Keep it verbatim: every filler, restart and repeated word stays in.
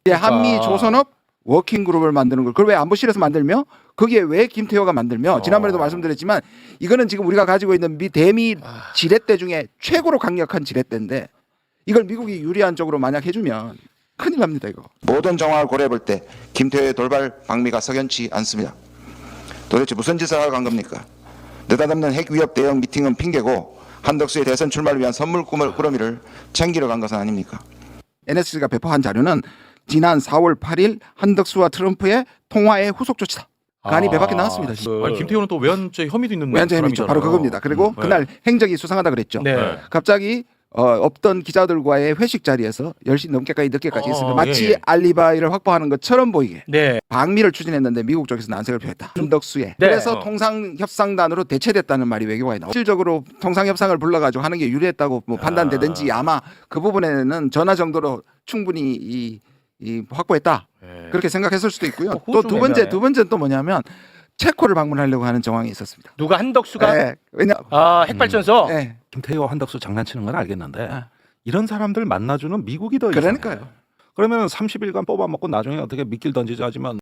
그러니까. 한미 조선업 워킹 그룹을 만드는 걸 그걸 왜 안보실에서 만들며 거기에 왜 김태호가 만들며 지난번에도 어. 말씀드렸지만 이거는 지금 우리가 가지고 있는 미 대미 아. 지렛대 중에 최고로 강력한 지렛대인데 이걸 미국이 유리한 쪽으로 만약 해주면 큰일 납니다 이거. 모든 정황을 고려해 볼 때 김태호의 돌발 방미가 석연치 않습니다. 도대체 무슨 짓을 하러 간 겁니까? 느닷없는 핵 위협 대응 미팅은 핑계고 한덕수의 대선 출마를 위한 선물 꾸물- 꾸러미를 챙기러 간 것은 아닙니까? 엔에스씨가 배포한 자료는 지난 사월 팔일 한덕수와 트럼프의 통화의 후속 조치다. 간이 배밖에 나왔습니다. 그... 아니 김태호는 또 외환죄 혐의도 있는 외환죄 혐의죠. 사람이잖아요. 바로 그겁니다. 그리고 음, 네. 그날 행적이 수상하다 그랬죠. 네. 갑자기 어, 없던 기자들과의 회식 자리에서 열 시 넘게까지 늦게까지 어, 있습니다. 마치 예, 예. 알리바이를 확보하는 것처럼 보이게 네. 방미를 추진했는데 미국 쪽에서 난색을 표했다. 한덕수에. 네. 그래서 어. 통상협상단으로 대체됐다는 말이 외교관에 나오고 실질적으로 통상협상을 불러가지고 하는 게 유리했다고 뭐 판단되든지 아마 그 부분에는 전화 정도로 충분히 이, 이 확보했다. 네. 그렇게 생각했을 수도 있고요. 어, 그거 또 좀 두 번째 애매하네. 두 번째는 또 뭐냐면 체코를 방문하려고 하는 정황이 있었습니다. 누가 한덕수가 네. 왜냐? 아 핵발전소. 네. 김태호 한덕수 장난치는 건 알겠는데 아. 이런 사람들 만나주는 미국이 더 이상해. 그러니까요. 그러면 삼십 일간 뽑아먹고 나중에 어떻게 미끼를 던지자 하지만